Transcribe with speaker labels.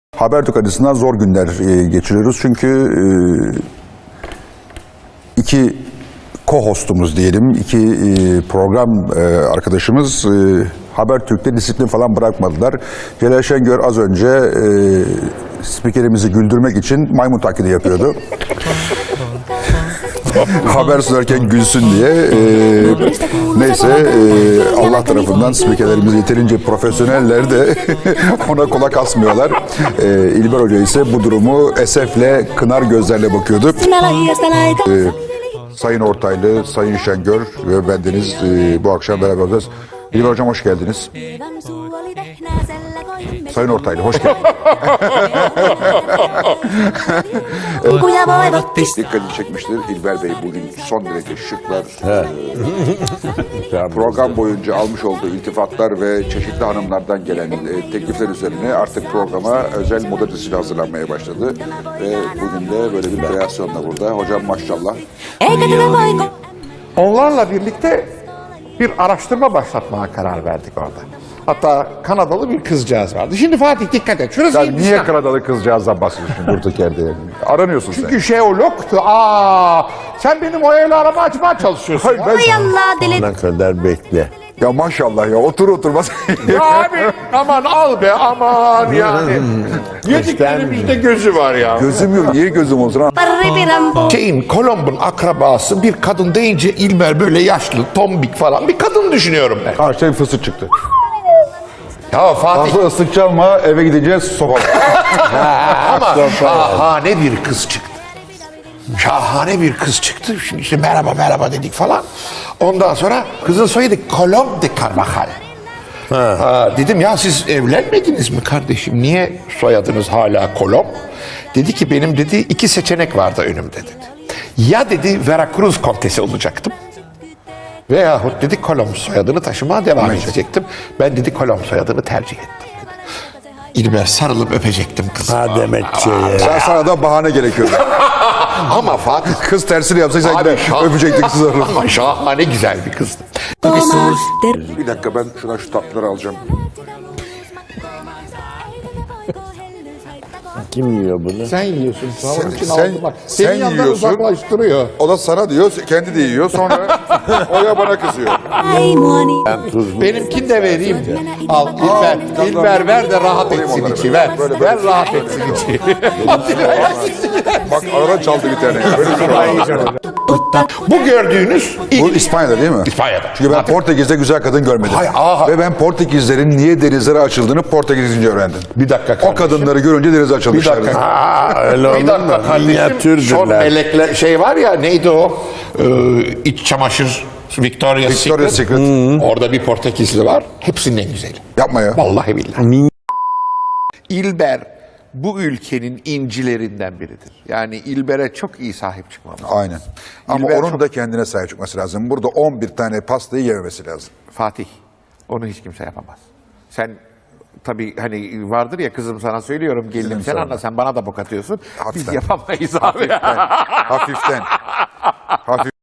Speaker 1: Habertürk açısından zor günler geçiriyoruz. Çünkü iki co-hostumuz diyelim, iki program arkadaşımız Habertürk'te disiplin falan bırakmadılar. Celal Şengör az önce spikerimizi güldürmek için maymun taklidi yapıyordu. Haber sunarken gülsün diye. Neyse Allah tarafından spikerlerimiz yeterince profesyoneller de ona kulak asmıyorlar. İlber Hoca ise bu durumu esefle, kınar gözlerle bakıyordu. Sayın Ortaylı, Sayın Şengör ve bendeniz bu akşam beraber olacağız. İlber Hocam hoş geldiniz. Sayın Ortaylı hoş geldiniz. Dikkatini çekmiştir. İlber Bey bugün son derece şıklar. Program boyunca almış olduğu iltifatlar ve çeşitli hanımlardan gelen teklifler üzerine artık programa özel moda dizisi hazırlanmaya başladı. Ve bugün de böyle bir kreasyonla burada. Hocam maşallah.
Speaker 2: Onlarla birlikte bir araştırma başlatmaya karar verdik orada. Hatta Kanadalı bir kızcağız vardı. Şimdi Fatih dikkat et. Şurası
Speaker 1: Sen niye Kanadalı kızcağızdan bahsediyorsun durduk yerde? Aranıyorsun sen.
Speaker 2: Çünkü jeologtu. Sen benim o evle araba açmaya çalışıyorsun.
Speaker 1: Hayır,
Speaker 3: Ne kadar bekle.
Speaker 1: ya maşallah ya otur oturmaz.
Speaker 2: Ya abi aman al be aman yani. Yediklerimizde gözü var ya.
Speaker 1: Gözüm yok. Niye gözüm olsun ha?
Speaker 2: Kolomb'un akrabası bir kadın deyince İlber böyle yaşlı, tombik falan bir kadın düşünüyorum ben.
Speaker 1: Karşıya bir fıstık çıktı.
Speaker 2: Ya Fatih
Speaker 1: Fazla ıslık çalma, eve gideceğiz sopa.
Speaker 2: ama şahane bir kız çıktı. Şahane bir kız çıktı. Şimdi işte merhaba merhaba dedik falan. Ondan sonra kızın soyadı Colombe de Carvajal. Dedim ya siz evlenmediniz mi kardeşim? Niye soyadınız hala Colombe? Dedi ki benim dedi iki seçenek vardı önümde dedi. Ya dedi Veracruz kontesi olacaktım. Veyahut dedi Colombe soyadını taşımaya devam edecektim. Ben dedi Colombe soyadını tercih ettim dedi. İlber sarılıp öpecektim kızı.
Speaker 3: Ha demek ki.
Speaker 1: Sana da bahane gerekiyordu.
Speaker 2: Ama Fatih
Speaker 1: Kız tersini yapsaydı sen
Speaker 2: Abi,
Speaker 1: yine öpecektin kızı.
Speaker 2: ama şahane güzel bir kızdı.
Speaker 1: Bir dakika ben şu tatlıları alacağım.
Speaker 3: Kim yiyor bunu?
Speaker 2: Sen yiyorsun. Onun için
Speaker 1: sen-
Speaker 2: aldım bak.
Speaker 1: sen
Speaker 2: Senin yanından
Speaker 1: yiyorsun.
Speaker 2: uzaklaştırıyor.
Speaker 1: O da sana diyor, kendi de yiyor. Sonra Oya bana kızıyor.
Speaker 3: Ben tuzlu.
Speaker 2: Benimkini de vereyim. Al İlber. İlber ver de rahat etsin içi. Ver. Ver rahat etsin içi.
Speaker 1: Bak arada çaldı bir tane. Böyle bir şey var.
Speaker 2: Bu gördüğünüz
Speaker 1: Bu İspanya'da değil mi?
Speaker 2: İspanya'da.
Speaker 1: Çünkü ben Portekiz'de güzel kadın görmedim. Ve ben Portekizlerin niye denizlere açıldığını Portekizce öğrendim.
Speaker 2: Bir dakika
Speaker 1: O
Speaker 2: kardeşim.
Speaker 1: kadınları görünce denize açılmışlar.
Speaker 2: Bir dakika.
Speaker 3: Öyle olur
Speaker 2: Bir dakika
Speaker 3: mu?
Speaker 2: kardeşim. Son
Speaker 3: Minyatürdürler.
Speaker 2: melekler şey var ya neydi o? İç çamaşır Victoria's
Speaker 1: Victoria's
Speaker 2: Secret.
Speaker 1: Secret.
Speaker 2: Orada bir Portekizli var. Hepsinin en güzeli.
Speaker 1: Yapma ya.
Speaker 2: Vallahi billahi. İlber bu ülkenin incilerinden biridir. Yani İlber'e çok iyi sahip çıkmamız.
Speaker 1: Aynen. Ama
Speaker 2: İlber
Speaker 1: onun
Speaker 2: çok-
Speaker 1: da kendine sahip çıkması lazım. Burada 11 tane pastayı yememesi lazım.
Speaker 2: Fatih, onu hiç kimse yapamaz. Sen tabii hani vardır ya kızım sana söylüyorum gelinim sen anla sen bana da bok atıyorsun. Biz
Speaker 1: Hafiften.
Speaker 2: yapamayız abi.
Speaker 1: Hafiften. Hafiften.